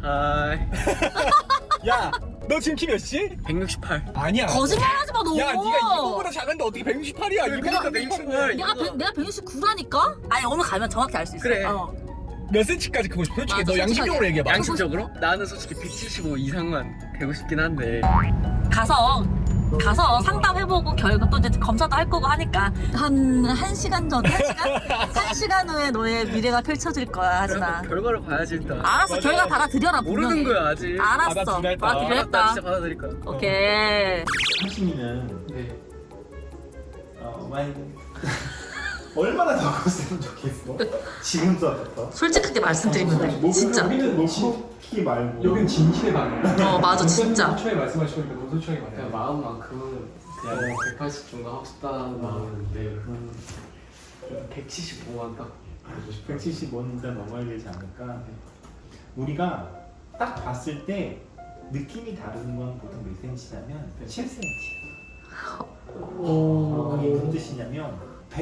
야, 너 지금 키 몇이지? 168. 아니야. 거짓말하지 마 너. 야, 네가 이거보다 작은데 어떻게 168이야? 그러니까 168. 내가 169라니까? 아니 오늘 가면 정확히 알 수 있어. 그래. 몇 센치까지 크고 싶어? 솔직히 맞아, 너 양심적으로 솔직하게. 얘기해봐. 양심적으로? 나는 솔직히 175 이상만 되고 싶긴 한데. 가서 상담해보고 결국 또 이제 검사도 할 거고 하니까 한 1시간 전 1시간 후에 너의 미래가 펼쳐질 거야 하진아. 결과를 봐야지 일단. 알았어. 맞아. 결과 받아들여라. 모르는 분명히. 거야 아직. 알았어. 받아들였다. 나 받아들였다. 진짜 받아들일 거야. 오케이. 하심이는 네. 많이 얼마나 더 컸으면 좋겠어? 지금서부터? 솔직하게 말씀드리면 돼. 진짜. 우리는 놓고 말고 여긴 진실의 방이야. 맞아 진짜. 초에 말씀하시니까 너무 솔직하게 말해. 그냥 마음만큼은 그냥 180 정도 하고 싶다는 마음인데 175만 딱 보고 싶어요. 175는 넘어야 되지 않을까? 우리가 딱 봤을 때 느낌이 다른 건 보통 몇 센치냐면 7cm. 그게 무슨 뜻이냐면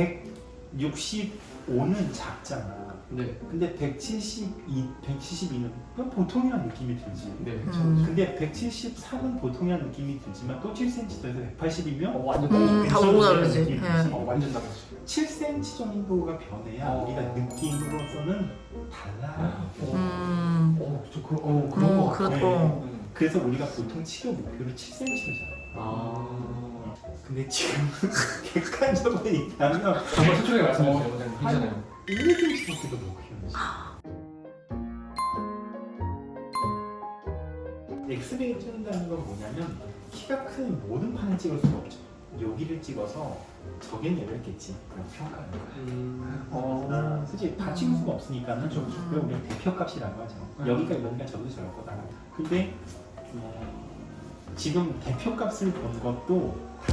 165는 작잖아. 네, 근데 172는 그냥 보통이란 느낌이 들지. 네. 근데 173은 보통이란 느낌이 들지만 또 7cm 더해서 180이면 완전 다 너무 다르지. 완전 다르지. 7cm 정도가 변해야 우리가 느낌으로서는 달라. 그런 거 같아. 그렇고. 그래서 우리가 보통 치료 목표를 7cm잖아. 근데 지금 객관적으로 얘기하면 정말 솔직하게 말씀해주세요, 원장님. 괜찮아요. 1cm밖에도 못 키우는 엑스레이 찍는다는 건 뭐냐면 키가 큰 모든 판을 찍을 수가 없죠. 여기를 찍어서 저긴 열렸겠지. 그럼 평가하는 거야. 솔직히 다 찍을 수가 없으니까는 좀 우리가 대표값이라고 하죠. 여기가 이러니까 저도 저럴 거다. 근데 지금 대표값을 본 것도 다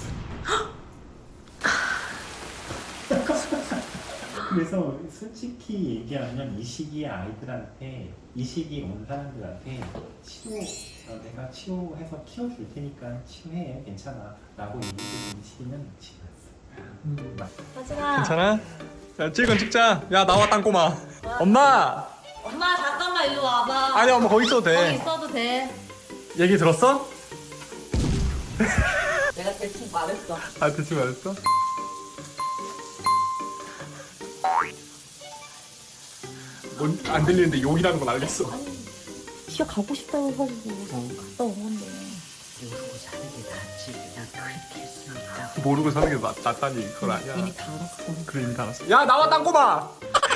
그래서 솔직히 얘기하면 이 시기에 아이들한테 이 시기에 온 사람들한테 내가 치료해서 키워줄 테니까 치료해 괜찮아 라고 얘기해주는 시기는 지났어. 하진아. 괜찮아? 야, 찍자. 야, 나와 땅꼬마. 엄마. 엄마 잠깐만 이리 와봐. 아니, 엄마 거기 있어도 거기 돼. 있어도 돼. 얘기 들었어? 내가 대충 말했어. 아, 대충 알았어? 안 들리는데 욕이라는 건 알겠어. 키가 가고 싶다고 해가지고 갔다 온 건데. 모르고 사는 게 낫지. 그냥 그렇게 했으니까. 모르고 사는 게 낫다니 그건 아니야. 이미 다 알았어. 그래, 이미 다 알았어. 야, 나와 땅꼬마.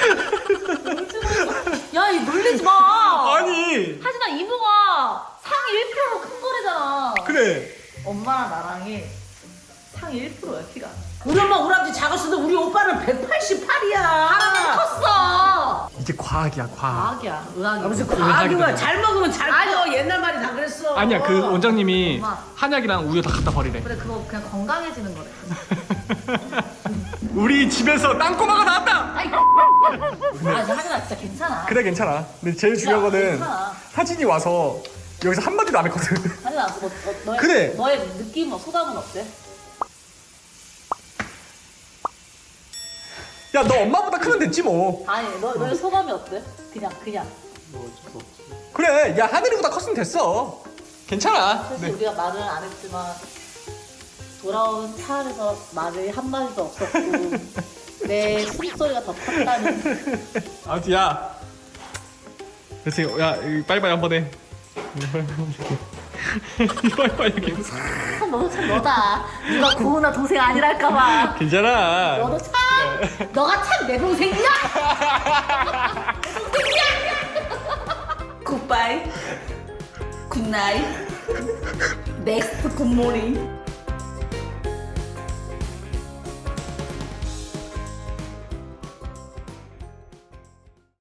야, 이 놀리지 마. 아니. 하진아 이모가 상위 1%큰 거래잖아. 그래. 엄마랑 나랑이 상위 1%야 키가. 우리 엄마 우리 아버지 작았어도 우리 오빠는 188이야. 하나는 컸어. 이제 과학이야, 과학. 과학이야, 의학이야. 무슨 과학이야. 잘 먹으면 잘 커. 옛날 말이 다 그랬어. 아니야, 그 원장님이 엄마. 한약이랑 우유 다 갖다 버리래. 그래 그거 그냥 건강해지는 거래. 우리 집에서 땅꼬마가 나왔다. 아니 하진아 진짜 괜찮아. 그래, 괜찮아. 근데 제일 중요한 거는 괜찮아. 사진이 와서 여기서 한마디도 안 했거든. 하진아 너의 그래. 너의 느낌은 소감은 어때? 야, 너 엄마보다 크면 됐지 뭐. 아니 너의 소감이 어때? 그냥. 그래, 야, 하늘이보다 컸으면 됐어. 괜찮아. 사실 네. 우리가 말을 안 했지만 돌아온 차 안에서 말이 한 마디도 없었고 내 숨소리가 더 컸다는. 아무튼 야, 그래서 야, 빨리빨리 한번 해. 빨리빨리 이렇게. 너도 참 너다. 누가 고은아 동생 아니랄까봐. 괜찮아. 너도 참 너가 참 내 동생이야. 내 동생이야. 굿바이. 굿나잇. 넥스트 굿모닝.